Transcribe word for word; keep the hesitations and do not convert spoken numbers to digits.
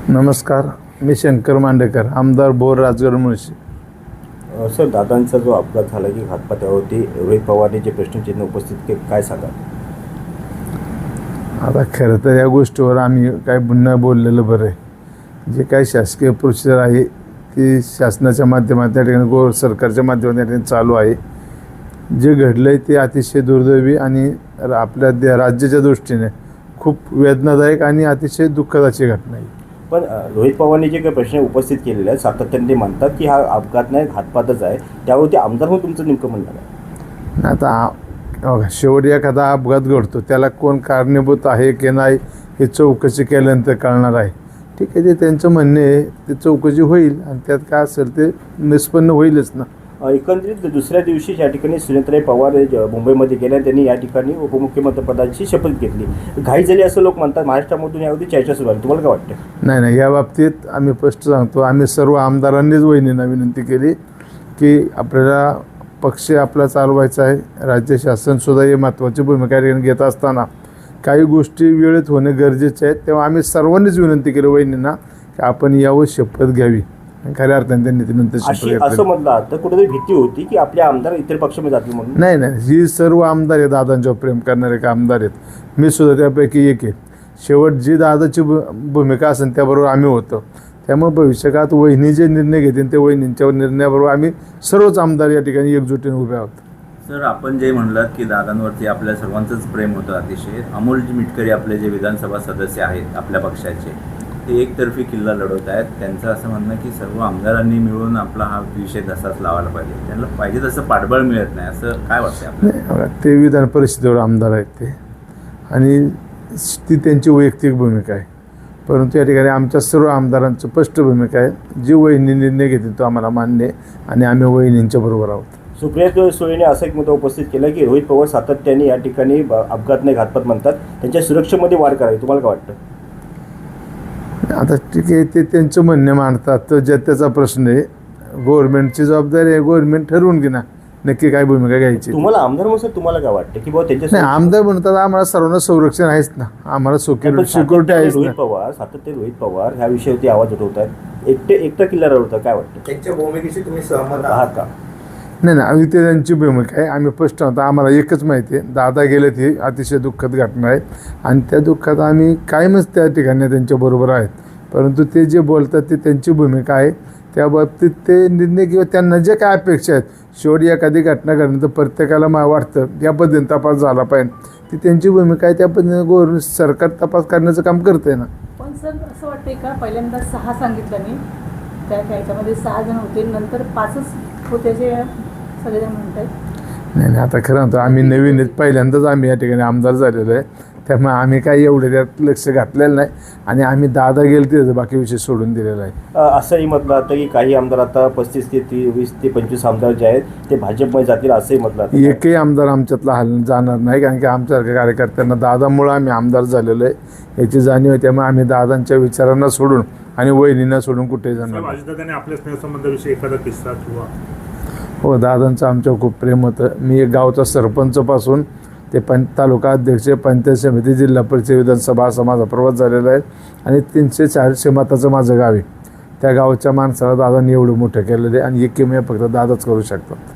नमस्कार, मी शंकर मांडेकर, आमदार बोर राजगड मुळशी. सर, दादांचा जो अपघात झाला की घातपातावरती रोहित पवारने जे प्रश्नचिन्ह उपस्थित केले, काय सांगा? आता खरं तर या गोष्टीवर आम्ही काय पुन्हा बोललेलं बरं आहे. जे काही शासकीय प्रोसिजर आहे ती शासनाच्या माध्यमातून त्या ठिकाणी गो सरकारच्या माध्यमातून त्या ठिकाणी चालू आहे. जे घडलं आहे ते अतिशय दुर्दैवी आणि आपल्या दे राज्याच्या दृष्टीने खूप वेदनादायक आणि अतिशय दुःखदाची घटना आहे. पण रोहित पवारने जे काही प्रश्न उपस्थित केलेले आहेत सातत्याने ते म्हणतात की हा अपघात नाही, घातपातच आहे. त्यावरती आमदार म्हणून तुमचं नेमकं म्हणणं आहे? आता बघा, शेवटी एखादा अपघात घडतो त्याला कोण कारणीभूत आहे की नाही हे चौकशी केल्यानंतर कळणार आहे. ठीक आहे, ते त्यांचं म्हणणे आहे, ते चौकशी होईल आणि त्यात काय असेल ते निष्पन्न होईलच ना. एकंदरीत दुसऱ्या दिवशी या ठिकाणी सुनेत्राताई पवार मुंबईमध्ये गेल्या, त्यांनी या ठिकाणी उपमुख्यमंत्रीपदाची शपथ घेतली. घाई झाली असं लोक म्हणतात. महाराष्ट्रामधून यावरती चर्चा सुरू आहे, तुम्हाला काय वाटतं? नाही नाही, या बाबतीत आम्ही स्पष्ट सांगतो, आम्ही सर्व आमदारांनीच वहिनींना विनंती केली की आपल्याला पक्ष आपला चालवायचा आहे. राज्य शासनसुद्धा ही महत्त्वाची भूमिका घेत असताना काही गोष्टी वेळेत होणे गरजेचे आहेत. तेव्हा आम्ही सर्वांनीच विनंती केली वहिनींना की आपण यावर शपथ घ्यावी. खऱ्या अर्थाने त्यांनी ती नंतर शपथ असं म्हटलं आता कुठेतरी भीती होती की आपले आमदार इतर पक्षामध्ये जातील म्हणून. नाही नाही, ही सर्व आमदार आहेत, दादांच्यावर प्रेम करणारे का आमदार आहेत. मी सुद्धा त्यापैकी एक आहे. शेवट जी दादाची भू भूमिका असेल त्याबरोबर आम्ही होतो. त्यामुळे भविष्यकाळात वहिनी जे निर्णय घेतील ते वहिनींच्या निर्णयाबरोबर आम्ही सर्वच आमदार या ठिकाणी एकजुटीने उभे आहोत. सर, आपण जे म्हणलात की दादांवरती आपल्या सर्वांचंच प्रेम होतं अतिशय. अमोल मिटकरी आपले जे विधानसभा सदस्य आहेत आपल्या पक्षाचे, ते एकतर्फी किल्ला लढवत आहेत. त्यांचं असं म्हणणं की सर्व आमदारांनी मिळून आपला हा विषय तसाच लावायला पाहिजे, त्यांना पाहिजे तसं पाठबळ मिळत नाही, असं काय वाटतं आपल्याला? ते विधान परिषदेवर आमदार आहेत ते, आणि ती त्यांची वैयक्तिक भूमिका आहे. परंतु या ठिकाणी आमच्या सर्व आमदारांचं स्पष्ट भूमिका आहे, जी वहिनी निर्णय घेतील तो आम्हाला मान्य आहे आणि आम्ही वहिनींच्या बरोबर आहोत. सुप्रिया सुळेने असा एक मुद्दा उपस्थित केला की रोहित पवार सातत्याने या ठिकाणी अपघात नाही घातपात म्हणतात, त्यांच्या सुरक्षेमध्ये वाढ करावी. तुम्हाला काय वाटतं? आता ठीक आहे, ते त्यांचं म्हणणे मांडतात, तर ज्या त्याचा प्रश्न आहे. गव्हर्नमेंटची जबाबदारी आहे, गव्हर्नमेंट ठरवून घे ना नक्की काय भूमिका घ्यायची. तुम्हाला आमदार म्हणून तुम्हाला काय वाटतं की बाबा त्यांच्या नाही, आमदार म्हणतात आम्हाला सर्वांना संरक्षण आहेच ना, आम्हाला सिक्युरिटी सिक्युरिटी आहेच ना. रोहित पवार सातत्याने रोहित पवार ह्या विषयावरती आवाज उठवत आहेत, एकटे एकटा किल्ला लढवतात. काय वाटतं त्यांच्या भूमिकेशी तुम्ही सहमत आहात का? नाही नाही, आम्ही ते त्यांची भूमिका आहे. आम्ही स्पष्ट होतो, आम्हाला एकच माहिती आहे, दादा गेले ती अतिशय दुःखद घटना आहे आणि त्या दुःखात आम्ही कायमच त्या ठिकाणी त्यांच्याबरोबर आहेत. परंतु ते जे बोलतात ते त्यांची भूमिका आहे. त्या बाबतीत ते निर्णय किंवा त्यांना जे काय अपेक्षा आहेत, शेवटी एखादी घटना घडल्यानंतर प्रत्येकाला मा वाटतं या पद्धतीने तपास झाला पाहिजे, ती त्यांची भूमिका आहे. त्या पद्धतीने गव्हर्नमेंट सरकार तपास करण्याचं काम करतं आहे ना. पण सर, असं वाटतंय का पहिल्यांदा सहा सांगितलं मी, त्या त्याच्यामध्ये सहा जण होते, नंतर पाचच होते जे सगळेजण म्हणत आहेत? नाही नाही, आता खरं म्हणतो आम्ही नवीन आहेत, पहिल्यांदाच आम्ही या ठिकाणी आमदार झालेलो आहे. त्यामुळे आम्ही काही एवढे त्यात लक्ष घातलेलं नाही आणि आम्ही दादा गेले ते बाकी विषय सोडून दिलेला आहे. असंही म्हटलं जातं की काही आमदार आता पस्तीस ते ती वीस ते पंचवीस आमदार जे आहेत ते भाजपमध्ये जातील, असंही म्हटलं जातं. एकही आमदार आमच्यातला हल जाणार नाही, कारण की आमच्यासारख्या कार्यकर्त्यांना दादामुळं आम्ही आमदार झालेलो आहे याची जाणीव आहे. त्यामुळे आम्ही दादांच्या विचारांना सोडून आणि वहिनींना सोडून कुठेही जाणार. अजितदादांनी आपल्या स्नेहसंबंधाविषयी एखादा किस्सा किंवा? हो, दादांचं आमच्यावर खूप प्रेम होतं. मी एक गावचा सरपंचपासून ते पं तालुका अध्यक्ष, पंचायत समिती, जिल्हा परिषद, विधानसभा असा माझा प्रवास झालेला आहे आणि तीनशे चारशे मताचं माझं गाव आहे. त्या गावच्या माणसाला दादांनी एवढं मोठं केलेलं आहे आणि एकमेव फक्त दादाच करू शकतात.